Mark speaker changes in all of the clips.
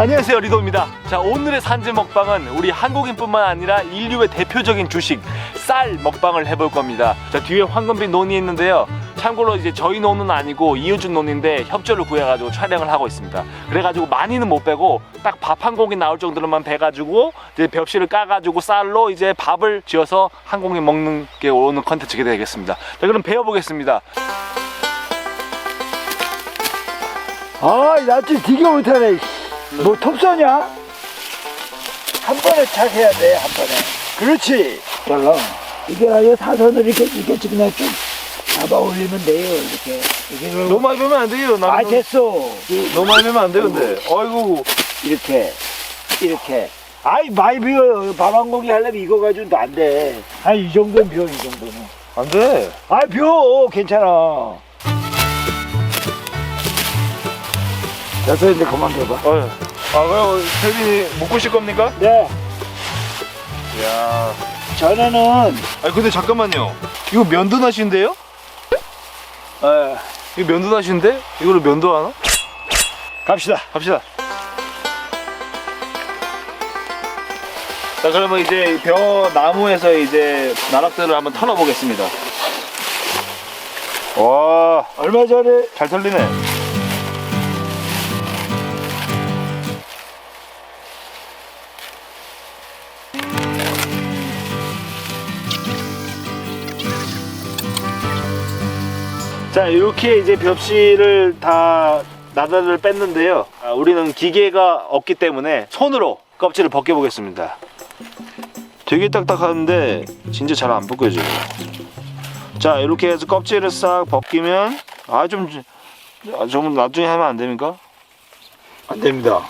Speaker 1: 안녕하세요, 리도입니다. 자, 오늘의 산지 먹방은 우리 한국인뿐만 아니라 인류의 대표적인 주식 쌀 먹방을 해볼 겁니다. 자, 뒤에 황금빛 논이 있는데요. 참고로 이제 저희 논은 아니고 이웃집 논인데 협조를 구해가지고 촬영을 하고 있습니다. 그래가지고 많이는 못 빼고 딱 밥 한 공기 나올 정도로만 빼가지고 이제 벽실을 까가지고 쌀로 이제 밥을 지어서 한 공기 먹는 게 오늘 컨텐츠가 되겠습니다. 자, 그럼 배워보겠습니다.
Speaker 2: 아, 나 좀 되게 못하네. 뭐 톱서냐? 한 번에 착 해야 돼, 한 번에. 그렇지. 잘라. 이게 아예 사선을 이렇게 그냥 좀 잡아 올리면 돼요, 이렇게.
Speaker 1: 너무 많이 빼면 안 돼요.
Speaker 2: 아, 됐어.
Speaker 1: 너무 많이 빼면 안 돼, 근데. 아이고.
Speaker 2: 이렇게. 아이, 많이 비워. 밥 한 공기 하려면 이거 가지고는 안 돼. 한 이 정도는 비워, 이 정도는.
Speaker 1: 안 돼.
Speaker 2: 아, 비워. 괜찮아. 됐어, 이제 그만 둬봐.
Speaker 1: 그럼 태빈이 먹고 실 겁니까?
Speaker 2: 네.
Speaker 1: 이야.
Speaker 2: 전에는,
Speaker 1: 아니, 근데 잠깐만요. 이거 면도나시인데요? 이거 면도나시인데? 이거를 면도하나?
Speaker 2: 갑시다.
Speaker 1: 자, 그러면 이제 벼 나무에서 이제 나락들을 한번 털어보겠습니다. 와,
Speaker 2: 얼마 전에
Speaker 1: 잘 털리네. 자, 이렇게 이제 벽실을 다 나다를 뺐는데요. 우리는 기계가 없기 때문에 손으로 껍질을 벗겨보겠습니다. 되게 딱딱한데 진짜 잘 안 벗겨져요. 자, 이렇게 해서 껍질을 싹 벗기면 좀 나중에 하면 안 됩니까?
Speaker 2: 안 됩니다.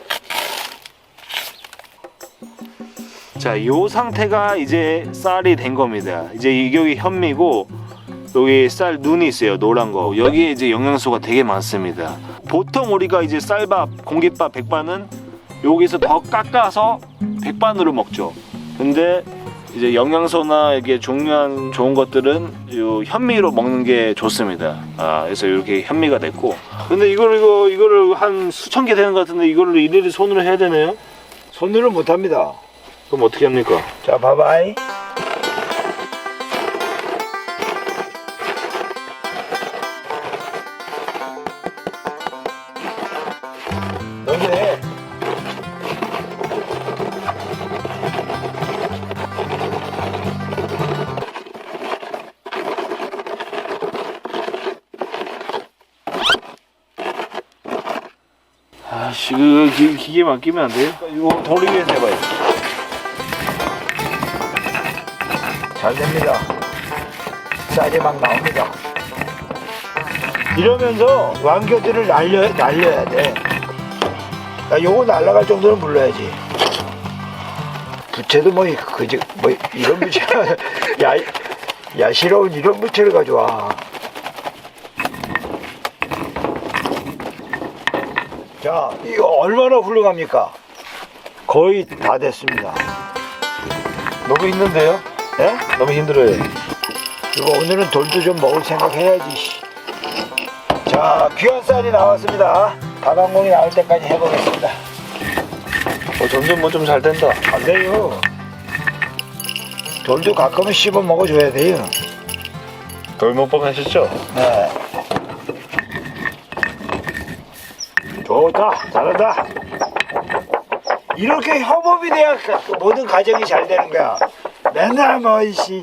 Speaker 1: 자, 이 상태가 이제 쌀이 된 겁니다. 이제 이게 현미고 여기 쌀 눈이 있어요, 노란 거. 여기에 이제 영양소가 되게 많습니다. 보통 우리가 이제 쌀밥, 공깃밥, 백반은 여기서 더 깎아서 백반으로 먹죠. 근데 이제 영양소나 이게 중요한 좋은 것들은 이 현미로 먹는 게 좋습니다. 그래서 이렇게 현미가 됐고. 근데 이거를 한 수천 개 되는 것 같은데 이거를 일일이 손으로 해야 되네요.
Speaker 2: 손으로 못 합니다.
Speaker 1: 그럼 어떻게 합니까?
Speaker 2: 자, 봐봐이. 너네
Speaker 1: 아씨, 그 기계 맡기면 안 돼요? 이거 돌리 위에서 해봐요.
Speaker 2: 잘 됩니다. 쌀이 막 나옵니다. 이러면서 완교들을 날려야 돼. 야, 요거 날아갈 정도는 불러야지. 부채도 뭐 이런 부채 야시러운 이런 부채를 가져와. 자, 이거 얼마나 훌륭합니까? 거의 다 됐습니다.
Speaker 1: 너무 힘든데요?
Speaker 2: 예?
Speaker 1: 너무 힘들어요.
Speaker 2: 이거 오늘은 돌도 좀 먹을 생각 해야지. 자, 귀한 쌀이 나왔습니다. 밥 한 공기 나올 때까지 해보겠습니다.
Speaker 1: 점점 뭐 좀 잘 된다.
Speaker 2: 안 돼요. 돌도 가끔은 씹어 먹어줘야 돼요.
Speaker 1: 돌 먹방 하셨죠?
Speaker 2: 네. 좋다. 잘한다. 이렇게 협업이 돼야 모든 가정이 잘 되는 거야. 맨날 뭐 이씨.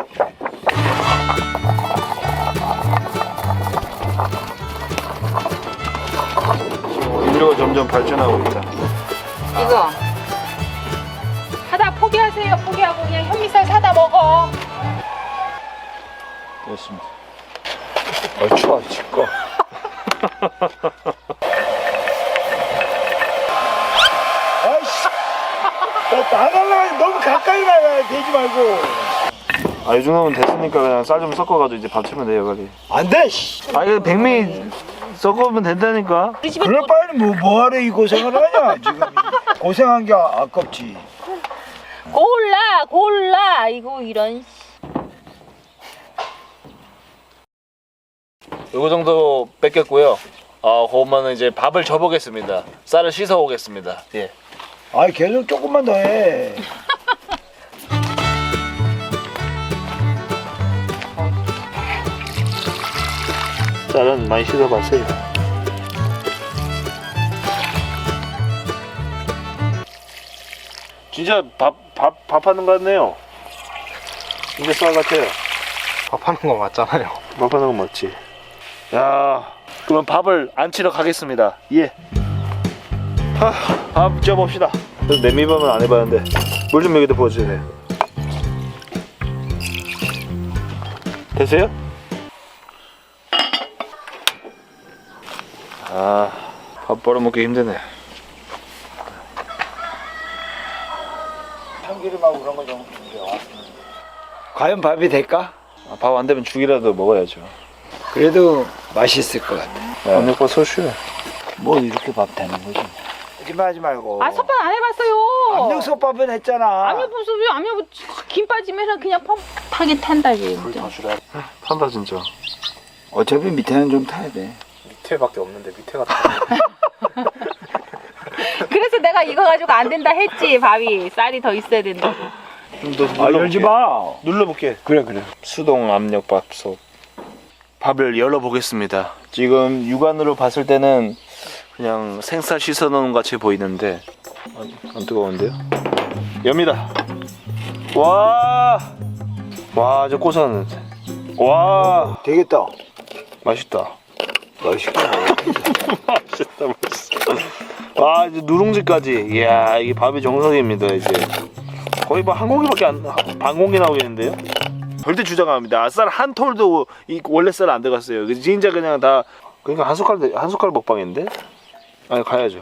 Speaker 1: 인류가 점점 발전하고 있다.
Speaker 3: 이거 사다 포기하세요. 포기하고 그냥 현미쌀 사다 먹어.
Speaker 1: 됐습니다.
Speaker 2: 추워 죽고. 아이씨. 나가려고 너무 가까이 나가야 되지 말고.
Speaker 1: 이 정도면 됐으니까 그냥 쌀 좀 섞어가지고 이제 밥 치면 돼요, 빨리.
Speaker 2: 안 돼. 씨.
Speaker 1: 이거 백미 섞으면 된다니까.
Speaker 3: 우리 집에
Speaker 2: 그래 빨리 뭐하러 이 고생을 하냐 지금. 고생한 게 아깝지.
Speaker 3: 골라. 이거 이런.
Speaker 1: 요거 정도 뺏겼고요. 그러면 이제 밥을 줘보겠습니다. 쌀을 씻어 오겠습니다. 예.
Speaker 2: 아 계속 조금만 더 해.
Speaker 1: 쌀은 많이 씻어봤어요. 진짜 밥하는 것 같네요. 진짜 쌀 같아요.
Speaker 4: 밥하는 거 맞잖아요.
Speaker 1: 밥하는 거 맞지? 야, 그러면 밥을 안 치러 가겠습니다. 예. 밥 지어봅시다. 냄비밥은 안 해봤는데 물 좀 여기다 부어주세요. 됐어요? 밥 벌어먹기 힘드네.
Speaker 2: 참기름하고 그런 거 좀 준비해. 과연 밥이 될까?
Speaker 1: 밥 안 되면 죽이라도 먹어야죠.
Speaker 2: 그래도 맛있을 것 같아.
Speaker 1: 압력밥 소슈.
Speaker 2: 뭐 이렇게 밥 되는 거지. 거짓말하지 말고.
Speaker 3: 아 솥밥 안 해봤어요.
Speaker 2: 압력솥밥은 했잖아.
Speaker 3: 압력 무슨 왜 압력 김 빠지면 그냥 퍽하게 탄다지. 진짜.
Speaker 1: 탄다 진짜.
Speaker 2: 어차피 밑에는 좀 타야 돼.
Speaker 4: 밑에밖에 없는데 밑에가
Speaker 3: 그래서 내가 이거 가지고 안 된다 했지. 밥이 쌀이 더 있어야 된다고.
Speaker 2: 아 열지 마.
Speaker 1: 눌러볼게.
Speaker 2: 그래.
Speaker 1: 수동 압력밥솥. 밥을 열어보겠습니다. 지금 육안으로 봤을 때는 그냥 생쌀 씻어놓은 것 같이 보이는데 안 뜨거운데요? 엽니다. 와, 저 고소한 냄새. 와,
Speaker 2: 되겠다.
Speaker 1: 맛있다.
Speaker 2: 맛있겠다.
Speaker 1: 맛있다. 와, 이제 누룽지까지. 이야, 이게 밥이 정석입니다. 이제 거의 뭐 한 공기밖에 반 공기 나오겠는데요? 절대 주장 안 합니다. 쌀 한 톨도 원래 쌀 안 들어갔어요. 진짜 그냥 다 그러니까 한 숟갈 먹방인데. 아니 가야죠.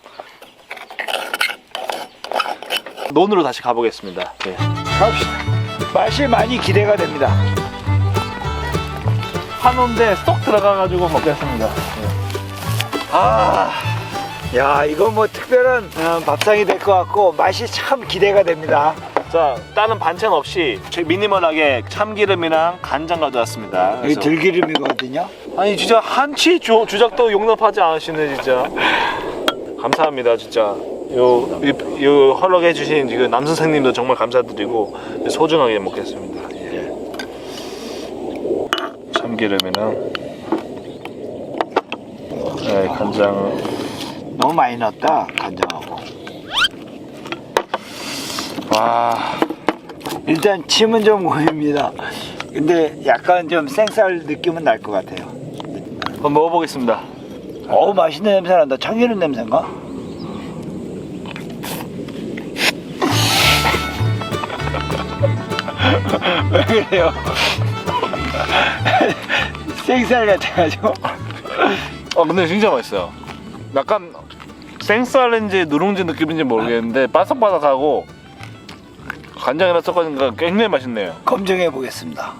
Speaker 1: 논으로 다시 가보겠습니다. 네.
Speaker 2: 갑시다. 맛이 많이 기대가 됩니다.
Speaker 1: 한온데 쏙 들어가가지고 먹겠습니다.
Speaker 2: 야 이거 뭐 특별한 밥상이 될 것 같고 맛이 참 기대가 됩니다.
Speaker 1: 자, 다른 반찬 없이 미니멀하게 참기름이랑 간장 가져왔습니다.
Speaker 2: 이게
Speaker 1: 그래서-
Speaker 2: 들기름이거든요.
Speaker 1: 아니 진짜 한치 주작도 용납하지 않으시네 진짜. 감사합니다 진짜. 요 허락해 주신 그 남 선생님도 정말 감사드리고 소중하게 먹겠습니다. 예. 참기름이랑 간장.
Speaker 2: 너무 많이 넣었다 간장하고.
Speaker 1: 와,
Speaker 2: 일단 침은 좀 고입니다. 근데 약간 좀 생쌀 느낌은 날 것 같아요.
Speaker 1: 한번 먹어보겠습니다.
Speaker 2: 어우 맛있는 냄새 난다. 참기름 냄새인가? 왜 그래요? 생쌀 같아가지고.
Speaker 1: 근데 진짜 맛있어요. 약간 생쌀인지 누룽지 느낌인지 모르겠는데 바삭바삭하고 간장이랑 섞어니까 굉장히 맛있네요.
Speaker 2: 검증해 보겠습니다.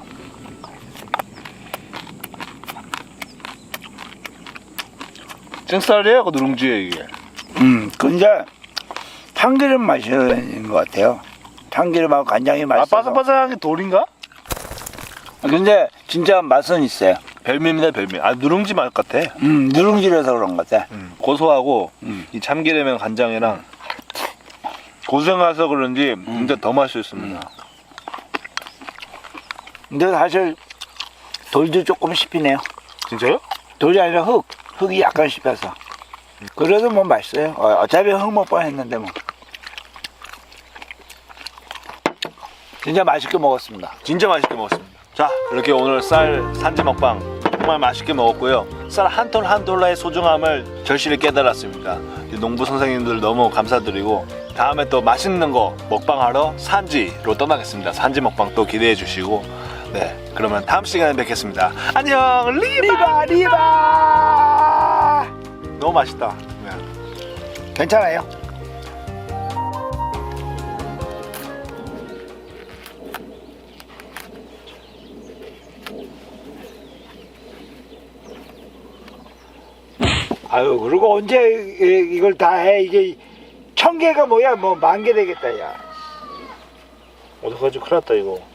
Speaker 1: 생쌀이에요? 그 누룽지예요 이게?
Speaker 2: 근데 참기름 맛인 것 같아요. 참기름하고 간장이 맛있어서.
Speaker 1: 바삭바삭한 게 돌인가?
Speaker 2: 근데 진짜 맛은 있어요.
Speaker 1: 별미입니다 별미. 누룽지 맛 같아.
Speaker 2: 누룽지라서 그런 것 같아.
Speaker 1: 고소하고 이 참기름이랑 간장이랑 고생해서 그런지 진짜 더 맛있습니다.
Speaker 2: 근데 사실 돌도 조금 씹히네요.
Speaker 1: 진짜요?
Speaker 2: 돌이 아니라 흙이 약간 씹혀서. 그래도 뭐 맛있어요. 어차피 흙 먹방 했는데 뭐. 진짜 맛있게 먹었습니다.
Speaker 1: 진짜 맛있게 먹었습니다. 자, 이렇게 오늘 쌀 산지 먹방 정말 맛있게 먹었고요. 쌀 한 톨 한 톨의 소중함을 절실히 깨달았습니다. 농부 선생님들 너무 감사드리고 다음에 또 맛있는 거 먹방하러 산지로 떠나겠습니다. 산지 먹방 또 기대해 주시고 네, 그러면 다음 시간에 뵙겠습니다. 안녕, 리바.
Speaker 2: 리바!
Speaker 1: 너무 맛있다. 네.
Speaker 2: 괜찮아요. 아유, 그리고 언제 이걸 다 해? 이게 1000개가 뭐야? 뭐 10,000개 되겠다, 야.
Speaker 1: 어떡하지? 큰일 났다 이거.